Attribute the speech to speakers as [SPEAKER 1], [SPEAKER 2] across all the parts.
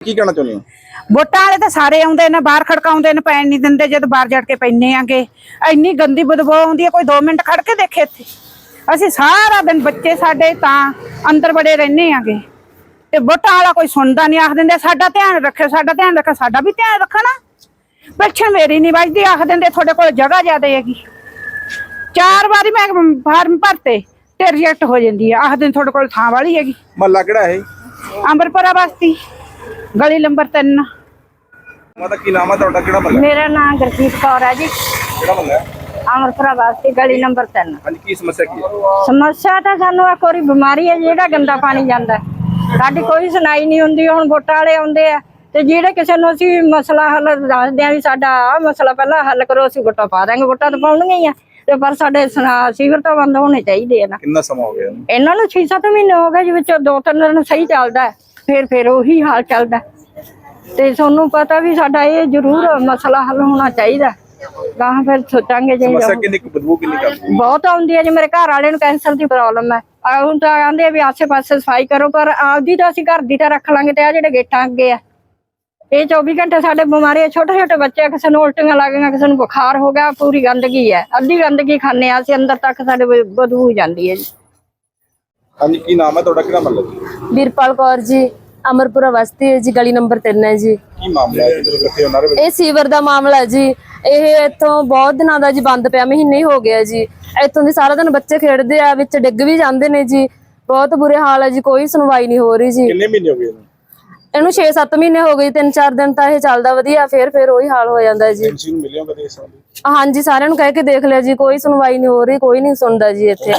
[SPEAKER 1] ਕੀ ਕਹਿਣਾ ਚਾਹੁੰਦੇ ਹੋ?
[SPEAKER 2] ਵੋਟਾਂ ਵਾਲੇ ਤਾਂ ਸਾਰੇ ਆਉਂਦੇ ਨੇ, ਬਾਹਰ ਖੜਕਾਉਂਦੇ ਨੇ, ਪੈਣ ਨਹੀਂ ਦਿੰਦੇ। ਜਦ ਬਾਹਰ ਜੜ ਕੇ ਪੈਨੇ ਆਂਗੇ ਇੰਨੀ ਗੰਦੀ ਬਦਬੂ ਆਉਂਦੀ ਹੈ, ਕੋਈ 2 ਮਿੰਟ ਖੜ ਕੇ ਦੇਖੇ ਇੱਥੇ। ਅਸੀਂ ਸਾਰਾ ਦਿਨ ਬੱਚੇ ਸਾਡੇ ਤਾਂ ਅੰਦਰ ਬੜੇ ਰਹਿੰਦੇ ਆਂਗੇ ਤੇ ਵੋਟਾਂ ਵਾਲਾ ਕੋਈ ਸੁਣਦਾ ਨਹੀਂ। ਆਖ ਦਿੰਦੇ ਸਾਡਾ ਧਿਆਨ ਰੱਖਿਓ, ਸਾਡਾ ਧਿਆਨ ਰੱਖਿਓ। ਸਾਡਾ ਵੀ ਧਿਆਨ ਰੱਖਣਾ। ਪੈਨਸ਼ਨ ਮੇਰੀ ਨਹੀਂ ਵੱਜਦੀ, ਆਖ ਦਿੰਦੇ ਤੁਹਾਡੇ ਕੋਲ ਜਗ੍ਹਾ ਜ਼ਿਆਦਾ ਹੈਗੀ। 4 ਵਾਰੀ ਮੈਂ ਫਾਰਮ ਭਰਤੇ ਤੇ ਰਿਜੈਕਟ ਹੋ ਜਾਂਦੀ ਹੈ। ਆਖ ਦਿਨ ਤੁਹਾਡੇ ਕੋਲ ਥਾਂ ਵਾਲੀ ਹੈਗੀ।
[SPEAKER 1] ਮਹੱਲਾ ਕਿਹੜਾ ਹੈ?
[SPEAKER 2] ਅੰਬਰਪੁਰਾ ਬਸਤੀ, ਗਲੀ ਨੰਬਰ 3।
[SPEAKER 1] ਮਾਤਾ ਕੀ ਨਾਮ ਹੈ ਤੁਹਾਡਾ? ਕਿਹੜਾ ਮਹੱਲਾ?
[SPEAKER 2] ਮੇਰਾ ਨਾਮ ਗੁਰਜੀਤ ਕੌਰ ਹੈ ਜੀ।
[SPEAKER 1] ਕਿਹੜਾ ਮਹੱਲਾ ਹੈ?
[SPEAKER 2] ਅੰਮ੍ਰਿਤਸਰ ਵਾਸਤੇ ਗਲੀ ਨੰਬਰ 3।
[SPEAKER 1] ਹਾਂਜੀ, ਕੀ ਸਮੱਸਿਆ ਕੀ ਹੈ?
[SPEAKER 2] ਸਮੱਸਿਆ ਤਾਂ ਸਾਨੂੰ ਇੱਕ ਵਾਰੀ ਬਿਮਾਰੀ ਹੈ, ਜਿਹੜਾ ਗੰਦਾ ਪਾਣੀ ਜਾਂਦਾ। ਸਾਡੀ ਕੋਈ ਸੁਣਾਈ ਨਹੀਂ ਹੁੰਦੀ। ਹੁਣ ਵੋਟਾਂ ਵਾਲੇ ਆਉਂਦੇ ਆ ਤੇ ਜਿਹੜੇ ਕਿਸੇ ਨੂੰ ਅਸੀਂ ਮਸਲਾ ਹੱਲ ਦੱਸਦੇ ਆ ਵੀ ਸਾਡਾ ਆਹ ਮਸਲਾ ਪਹਿਲਾਂ ਹੱਲ ਕਰੋ, ਅਸੀਂ ਵੋਟਾਂ ਪਾ ਦਾਂਗੇ। ਵੋਟਾਂ ਤਾਂ ਪਾਉਣਗੀਆਂ ਹੀ ਆ ਤੇ ਪਰ ਸਾਡੇ ਸੀਵਰ ਤਾਂ ਬੰਦ ਹੋਣੇ ਚਾਹੀਦੇ ਆ ਨਾ।
[SPEAKER 1] ਕਿੰਨਾ ਸਮਾਂ ਹੋ ਗਿਆ
[SPEAKER 2] ਇਹਨਾਂ ਨੂੰ 6-7 ਮਹੀਨੇ ਹੋ ਗਏ, ਵਿੱਚ 2-3 ਦਿਨ ਸਹੀ ਚੱਲਦਾ, ਫਿਰ ਉਹੀ ਹਾਲ ਚੱਲਦਾ। ਤੇ ਤੁਹਾਨੂੰ ਪਤਾ ਵੀ ਸਾਡਾ ਇਹ ਜ਼ਰੂਰ ਮਸਲਾ ਹੱਲ ਹੋਣਾ ਚਾਹੀਦਾ। ਗਾਹਾਂ ਫਿਰ ਸੋਚਾਂਗੇ। ਜੇ
[SPEAKER 1] ਸਮੱਸਿਆ ਕਿੰਨੀ ਕੁ ਬਦਬੂ ਕਿੰਨੀ ਕਰਦੀ?
[SPEAKER 2] ਬਹੁਤ ਆਉਂਦੀ ਹੈ ਜੀ। ਮੇਰੇ ਘਰ ਵਾਲੇ ਨੂੰ ਕੈਂਸਰ ਦੀ ਪ੍ਰੋਬਲਮ ਹੈ। ਹੁਣ ਤਾਂ ਕਹਿੰਦੇ ਆ ਵੀ ਆਸੇ-ਪਾਸੇ ਸਫਾਈ ਕਰੋ, ਪਰ ਆਪਦੀ ਤਾਂ ਅਸੀਂ ਘਰ ਦੀ ਤਾਂ ਰੱਖ ਲਾਂਗੇ ਤੇ ਆ ਜਿਹੜੇ ਗੇਟਾਂ ਅੱਗੇ ਆ ਇਹ 24 ਘੰਟੇ ਸਾਡੇ ਬਿਮਾਰੀ। ਛੋਟੇ-ਛੋਟੇ ਬੱਚੇ, ਕਿਸੇ ਨੂੰ ਉਲਟੀਆਂ ਲੱਗ ਗਈਆਂ, ਕਿਸੇ ਨੂੰ ਬੁਖਾਰ ਹੋ ਗਿਆ। ਪੂਰੀ ਗੰਦਗੀ ਹੈ, ਅੱਧੀ ਗੰਦਗੀ ਖਾਂਦੇ ਆ ਅਸੀਂ, ਅੰਦਰ ਤੱਕ ਸਾਡੇ ਬਦਬੂ ਜਾਂਦੀ ਹੈ ਜੀ।
[SPEAKER 1] ਹਾਂਜੀ, ਕੀ ਨਾਮ ਹੈ ਤੁਹਾਡਾ? ਕਿਹੜਾ ਮਹੱਲਾ ਜੀ?
[SPEAKER 3] ਵੀਰਪਾਲ ਕੌਰ ਜੀ, ਅਮਰਪੁਰਾ ਬਸਤੀ ਹੈ ਜੀ, ਗਲੀ ਨੰਬਰ 3 ਹੈ ਜੀ।
[SPEAKER 1] ਕੀ ਮਾਮਲਾ ਹੈ ਜਿਹੜੇ ਇਕੱਠੇ ਹੋਣਾ?
[SPEAKER 3] ਇਹ ਸੀਵਰ ਦਾ ਮਾਮਲਾ ਹੈ ਜੀ। ਇਹ ਇੱਥੋਂ ਬਹੁਤ ਦਿਨਾਂ ਦਾ ਜੀ ਬੰਦ ਪਿਆ, ਮਹੀਨੇ ਹੀ ਹੋ ਗਿਆ ਜੀ। ਇੱਥੋਂ ਦੀ ਸਾਰਾ ਦਿਨ ਬੱਚੇ ਖੇਡਦੇ ਆ, ਵਿੱਚ ਡਿੱਗ ਵੀ ਜਾਂਦੇ ਨੇ ਜੀ। ਬਹੁਤ ਬੁਰੇ ਹਾਲ ਹੈ ਜੀ, ਕੋਈ ਸੁਣਵਾਈ ਨਹੀਂ ਹੋ ਰਹੀ ਜੀ।
[SPEAKER 1] ਕਿੰਨੇ ਮਹੀਨੇ ਹੋ ਗਏ ਇਹਨੂੰ?
[SPEAKER 3] ਇਹਨੂੰ 6-7 ਮਹੀਨੇ ਹੋ ਗਏ। 3-4 ਦਿਨ ਤਾਂ ਇਹ ਚੱਲਦਾ ਵਧੀਆ, ਫਿਰ ਉਹੀ ਹਾਲ ਹੋ ਜਾਂਦਾ ਜੀ।
[SPEAKER 1] ਪੈਨਸ਼ਨ ਮਿਲਿਆ ਕਦੇ ਇਸ ਸਾਲ?
[SPEAKER 3] ਹਾਂਜੀ, ਸਾਰਿਆਂ ਨੂੰ ਕਹਿ ਕੇ ਦੇਖ ਲਿਆ ਜੀ, ਕੋਈ ਸੁਣਵਾਈ ਨਹੀਂ ਹੋ ਰਹੀ, ਕੋਈ ਨਹੀਂ ਸੁਣਦਾ ਜੀ ਇੱਥੇ।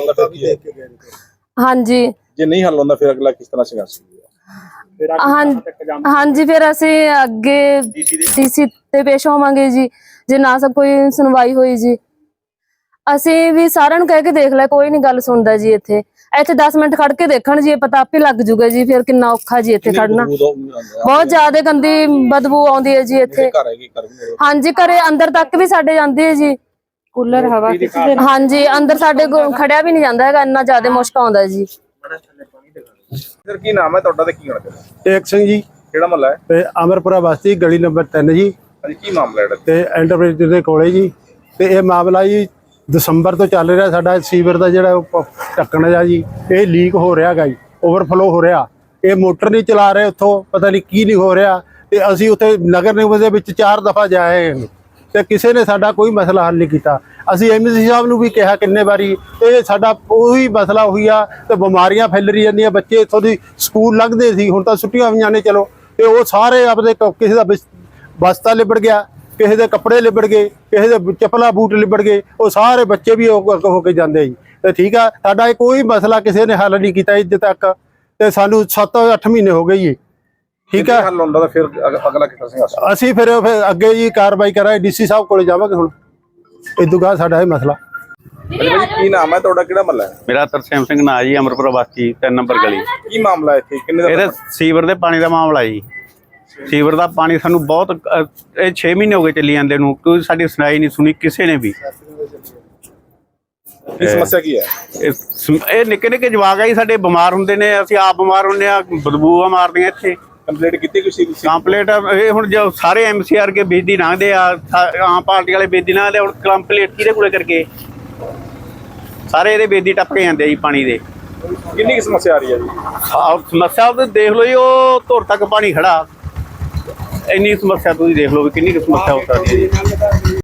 [SPEAKER 3] ਹਾਂਜੀ,
[SPEAKER 1] ਜੇ ਨਹੀਂ ਹੱਲ ਹੁੰਦਾ ਫਿਰ ਅਗਲਾ ਕਿਸ ਤਰ੍ਹਾਂ ਸੰਘਰਸ਼ ਹੋਊਗਾ?
[SPEAKER 3] ਹਾਂਜੀ, ਫਿਰ ਅਸੀਂ ਅੱਗੇ ਡੀਸੀ ਤੇ ਪੇਸ਼ ਹੋਵਾਂਗੇ ਜੀ, ਜੇ ਨਾ ਸਭ ਕੋਈ ਸੁਣਵਾਈ ਹੋਈ ਜੀ। ਅਸੀਂ ਵੀ ਸਾਰਿਆਂ ਨੂੰ ਕਹਿ ਕੇ ਦੇਖ ਲਿਆ, ਕੋਈ ਨਹੀਂ ਗੱਲ ਸੁਣਦਾ ਜੀ। ਇੱਥੇ 10 ਮਿੰਟ ਖੜ ਕੇ ਦੇਖਣ ਜੀ, ਪਤਾ ਆਪੇ ਲੱਗ ਜੂਗਾ ਜੀ ਫਿਰ ਕਿੰਨਾ ਔਖਾ ਜੀ ਇੱਥੇ ਖੜਨਾ। ਬਹੁਤ ਜ਼ਿਆਦਾ ਗੰਦੀ ਬਦਬੂ ਆਉਂਦੀ ਹੈ ਜੀ ਇੱਥੇ। ਹਾਂਜੀ, ਘਰੇ ਅੰਦਰ ਤੱਕ ਵੀ ਸਾਡੇ ਜਾਂਦੀ ਹੈ ਜੀ।
[SPEAKER 2] ਕੂਲਰ ਹਵਾ
[SPEAKER 3] ਹਾਂਜੀ, ਅੰਦਰ ਸਾਡੇ ਖੜਿਆ ਵੀ ਨਹੀਂ ਜਾਂਦਾ ਹੈਗਾ, ਇੰਨਾ ਜ਼ਿਆਦਾ ਮੁਸ਼ਕ ਆਉਂਦਾ ਜੀ।
[SPEAKER 1] ਸਰ ਕੀ ਨਾਮ ਹੈ ਤੁਹਾਡਾ ਤੇ ਕੀ ਕਹਿਣਾ?
[SPEAKER 4] ਟੇਕ ਸਿੰਘ ਜੀ।
[SPEAKER 1] ਕਿਹੜਾ ਮਹੱਲਾ ਹੈ?
[SPEAKER 4] ਤੇ ਅਮਰਪੁਰਾ ਬਸਤੀ, ਗਲੀ ਨੰਬਰ 3 ਜੀ।
[SPEAKER 1] ਹਾਂਜੀ, ਕੀ ਮਾਮਲਾ ਹੈ?
[SPEAKER 4] ਤੇ ਐਂਟਰਪ੍ਰਾਈਜ਼ ਦੇ ਕੋਲੇ ਜੀ। ਤੇ ਇਹ ਮਾਮਲਾ ਜੀ ਦਸੰਬਰ ਤੋਂ ਚੱਲ ਰਿਹਾ। ਸਾਡਾ ਸੀਵਰ ਦਾ ਜਿਹੜਾ ਢੱਕਣ ਆ ਜੀ, ਇਹ ਲੀਕ ਹੋ ਰਿਹਾ ਗਾ ਜੀ, ਓਵਰਫਲੋ ਹੋ ਰਿਹਾ। ਇਹ ਮੋਟਰ ਨਹੀਂ ਚਲਾ ਰਹੇ, ਉੱਥੋਂ ਪਤਾ ਨਹੀਂ ਕੀ ਨਹੀਂ ਹੋ ਰਿਹਾ। ਤੇ ਅਸੀਂ ਉੱਥੇ ਨਗਰ ਨਿਗਮ ਦੇ ਵਿੱਚ 4 ਦਫਾ ਜਾਏ ਤੇ ਕਿਸੇ ਨੇ ਸਾਡਾ ਕੋਈ ਮਸਲਾ ਹੱਲ ਨਹੀਂ ਕੀਤਾ। ਅਸੀਂ ਐਮਸੀ ਸਾਹਿਬ ਨੂੰ ਵੀ ਕਿਹਾ ਕਿੰਨੇ ਵਾਰੀ, ਇਹ ਸਾਡਾ ਉਹੀ ਮਸਲਾ ਹੋਈ ਆ। ਤੇ ਬਿਮਾਰੀਆਂ ਫੈਲ ਰਹੀ ਜਾਂਦੀਆਂ। ਬੱਚੇ ਇੱਥੋਂ ਦੀ ਸਕੂਲ ਲੰਘਦੇ ਸੀ, ਹੁਣ ਤਾਂ ਛੁੱਟੀਆਂ ਹੋਈਆਂ ਨੇ ਚਲੋ, ਤੇ ਉਹ ਸਾਰੇ ਆਪਦੇ ਕਿਸੇ ਦਾ ਬਸਤਾ ਲਿਬੜ ਗਿਆ, ਕਿਸੇ ਦੇ ਕੱਪੜੇ ਲਿਬੜ ਗਏ, ਕਿਸੇ ਦੇ ਚੱਪਲਾਂ ਬੂਟ ਲਿਬੜ ਗਏ। ਉਹ ਸਾਰੇ ਬੱਚੇ ਵੀ ਹੋ ਕੇ ਜਾਂਦੇ ਜੀ। ਤੇ ਠੀਕ ਆ, ਸਾਡਾ ਇਹ ਕੋਈ ਮਸਲਾ ਕਿਸੇ ਨੇ ਹੱਲ ਨਹੀਂ ਕੀਤਾ ਅੱਜ ਤੱਕ। ਤੇ ਸਾਨੂੰ 7-8 ਮਹੀਨੇ ਹੋ ਗਏ ਜੀ। ਠੀਕ ਆ,
[SPEAKER 1] ਹੱਲ ਹੁੰਦਾ ਤਾਂ ਫਿਰ ਅਗਲਾ ਕਿਸ ਤਰ੍ਹਾਂ ਸੰਘਰਸ਼?
[SPEAKER 4] ਅਸੀਂ ਫਿਰ ਅੱਗੇ ਜੀ ਕਾਰਵਾਈ ਕਰਾਂਗੇ, ਡੀਸੀ ਸਾਹਿਬ ਕੋਲੇ ਜਾਵਾਂਗੇ। ਹੁਣ ਇਦੋਂ ਬਾਅਦ ਸਾਡਾ ਇਹ ਮਸਲਾ।
[SPEAKER 1] ਕੀ ਨਾਮ ਹੈ ਤੁਹਾਡਾ? ਕਿਹੜਾ ਮਹੱਲਾ ਹੈ?
[SPEAKER 5] ਮੇਰਾ ਤਰਸੇਮ ਸਿੰਘ ਨਾਂ ਜੀ, ਅਮਰਪੁਰਾ ਬਸਤੀ 3 ਨੰਬਰ ਗਲੀ।
[SPEAKER 1] ਕੀ ਮਾਮਲਾ ਇੱਥੇ? ਕਿੰਨੇ
[SPEAKER 5] ਇਹਦੇ ਸੀਵਰ ਦੇ ਪਾਣੀ ਦਾ ਮਾਮਲਾ ਜੀ। ਸੀਵਰ ਦਾ ਪਾਣੀ ਸਾਨੂੰ ਬਹੁਤ ਇਹ 6 ਮਹੀਨੇ ਹੋ ਗਏ ਚੱਲੀ ਜਾਂਦੇ ਨੂੰ, ਕੋਈ ਸਾਡੀ ਸੁਣਾਈ ਨਹੀਂ ਸੁਣੀ ਕਿਸੇ ਨੇ ਵੀ।
[SPEAKER 1] ਕੀ ਸਮੱਸਿਆ ਕੀ ਹੈ?
[SPEAKER 5] ਇਹ ਨਿੱਕੇ ਜਵਾਕ ਆ ਜੀ ਸਾਡੇ, ਬਿਮਾਰ ਹੁੰਦੇ ਨੇ, ਅਸੀਂ ਆਪ ਬਿਮਾਰ ਹੁੰਦੇ ਆ, ਬਦਬੂਆਂ ਮਾਰਦੀਆਂ ਇੱਥੇ।
[SPEAKER 1] ਕੰਪਲੀਟ ਕੀਤੀ ਕੋਈ?
[SPEAKER 5] ਕੰਪਲੀਟ ਇਹ ਹੁਣ ਜੋ ਸਾਰੇ MCR ਕੇ ਬੇਦੀ ਲੰਘਦੇ ਆ, ਆਮ ਪਾਰਟੀ ਵਾਲੇ ਬੇਦੀ ਲੰਘਦੇ, ਹੁਣ ਕੰਪਲੀਟ ਕਿਹਦੇ ਕੋਲੇ ਕਰਕੇ ਸਾਰੇ ਇਹਦੇ ਬੇਦੀ ਟੱਪ ਕੇ ਜਾਂਦੇ ਜੀ ਪਾਣੀ ਦੇ।
[SPEAKER 1] ਕਿੰਨੀ ਸਮੱਸਿਆ ਆ ਰਹੀ ਹੈ ਜੀ?
[SPEAKER 5] ਸਮੱਸਿਆ ਤੁਸੀਂ ਦੇਖ ਲਓ ਜੀ, ਉਹ ਧੁਰ ਤੱਕ ਪਾਣੀ ਖੜਾ। ਇੰਨੀ ਸਮੱਸਿਆ ਤੁਸੀਂ ਦੇਖ ਲਓ ਵੀ ਕਿੰਨੀ ਸਮੱਸਿਆ ਹੋ ਸਕਦੀ ਹੈ ਜੀ।